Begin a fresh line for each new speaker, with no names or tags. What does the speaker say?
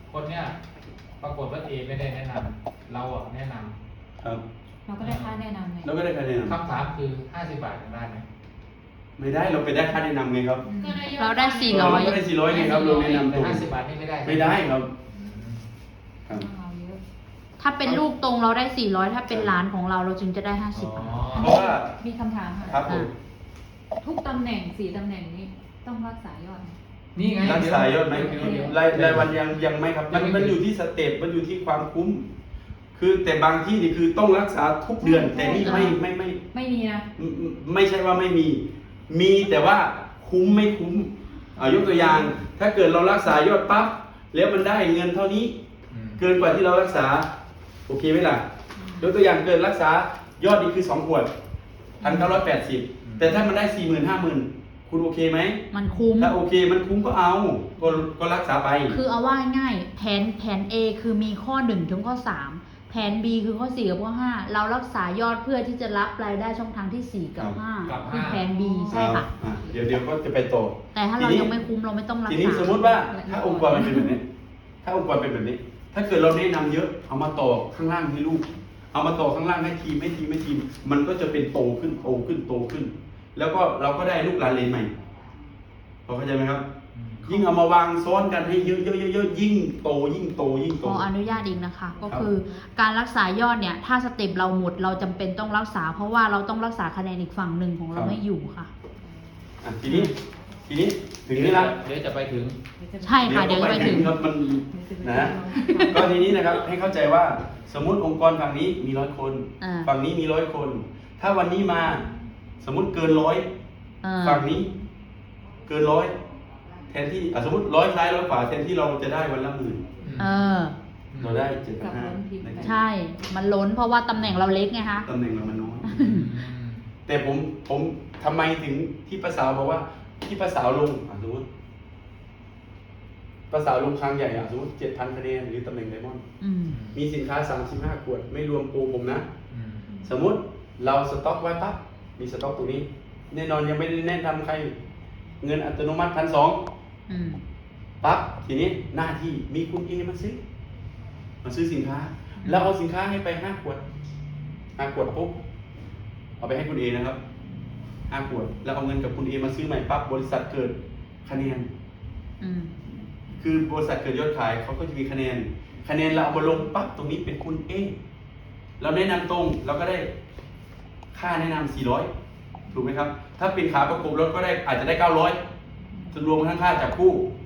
คนเนี้ยปรากฏว่าเอไม่ได้แนะนำเราอ่ะแนะนำ
ครับ
เราก็ได้ค่าแนะนำไง
เราก็ได้คะแนน
คำถามคือ50 บาทยังได้ไหม
ไม่ได้เราไปได้ค่าแนะนำไงครับ
เราได้
เราก็ได้400ไงครับเราแนะนำ
แต่
ถูก
50 บาทนี่ไม่ได้
ไม่ได้ครับ
อืม
ครับ
เอาเยอะ
ถ้าเป็นลูกตรงเราได้ 400 ถ้าเป็นหลานของเราจึงจะได้ 50 บาท
เพราะว่า
มีคำถามค่ะ
ครับผม
ทุกตำแหน่ง4ตำแหน่งนี้ต้องรักษายอดไหม
นี่ไง
รักษายอดไหม
เดี๋ยว
รายวันยังไม่ครับมันอยู่ที่สเต็ปมันอยู่ที่ความคุ้ม คือแต่บางที่นี่คือต้องรักษาทุกเดือน แต่นี่ไม่
ไม่มีนะ
ไม่ใช่ว่าไม่มี มีแต่ว่าคุ้มไม่คุ้มยกตัวอย่าง ถ้าเกิดเรารักษายอดปั๊บแล้วมันได้เงินเท่านี้
อืม
เกินกว่าที่เรารักษา โอเคไหมล่ะ ยกตัวอย่างเกินรักษายอดนี้คือ2 ขวด1,980แต่ถ้ามันได้ 40,000 50,000 คุณโอเคไหม
มันคุ้ม
ถ้าโอเคมันคุ้มก็เอาก็รักษาไป
คือเอาว่าง่ายๆแผน A คือมีข้อ1ถึงข้อ3แผน B คือข้อ4กับข้อ5เรารักษายอดเพื่อที่จะรับรายได้ช่องทางที่4กับ
กับ
5คือ
5
แผน B ใช่ค่ะ
เดี๋ยวก็จะไปต่อ
แต่ถ้าเรายังไม่คุ้มเราไม่ต้องรัก
ที
ษา
นี้สมมติว่าถ้าองค์กรมันเป็นแบบนี้ ถ้าองค์กรเป็นแบบนี้ ถ้าเกิดเราแนะนำเยอะ เอามาต่อข้างล่างให้ลูก เอามาต่อข้างล่างให้ทีมมันก็จะเป็นโตขึ้น แล้วก็เราก็ได้ลูกหลานเลนใหม่พอเข้าใจไหมครับ ยิ่งเอามาวางซ้อนกันให้เยอะยิ่งโต
ขออนุญาตอีกนะคะ ก็คือการรักษายอดเนี่ย ถ้าสเต็ปเราหมดเราจำเป็นต้องรักษา เพราะว่าเราต้องรักษาคะแนนอีกฝั่งหนึ่งของเราให้อยู่ค่ะ
ทีนี้ถึงนี่ละ
เดี๋ยวจะไปถึง
ใช่ค่ะเดี๋ยวจะไปถึง
ครับมันนะก็ทีนี้นะครับให้เข้าใจว่าสมมุติองค์กรฝั่งนี้มี100 คน
อ่า
ฝั่งนี้มี100 คน ถ้าวันนี้มาสมมุติเกิน100
อ่า
ฝั่งนี้เกิน100แทนที่สมมติ100ซ้าย100ขวาแทนที่เราจะได้วันละ10,000
เออ
เราได้
กับล้นทีมไป
7,500
ใช่ มันล้นเพราะว่าตำแหน่งเราเล็กไงคะ
ตำแหน่งเรามันน้อย แต่ผมทำไมถึงที่ภาษาวบอกว่าที่ภาษาวลงสมมติภาษาวลงครั้งใหญ่สมมติ 7,000 คะแนนหรือตำแหน่งไดมอนด์
อืม
มีสินค้า35 ขวดไม่รวมโปรผมนะ
อืม
สมมุติเราสต็อกไว้ปั๊บมีสต็อกตรงนี้ แน่นอนยังไม่ได้แนะนำใคร เงินอัตโนมัติ1,200
อืม
ปั๊บทีนี้หน้าที่มีคุณเอมาซื้อสินค้า แล้วเอาสินค้าให้ไป5 ขวด5 ขวดปุ๊บเอาไปให้คุณเอนะครับ5 ขวด แล้วเอาเงินกับคุณเอมาซื้อใหม่ปั๊บบริษัทเกิดคะแนน
อืม
คือบริษัทเกิดยอดขายเขาก็จะมีคะแนนเราเอามาลงปั๊บตรงนี้เป็นคุณเอเราแนะนำตรงเราก็ได้ค่าแนะนำ400ถูกไหมครับ ถ้าเป็นขาประกบรถก็ได้อาจจะได้900รวมทั้งค่าจับคู่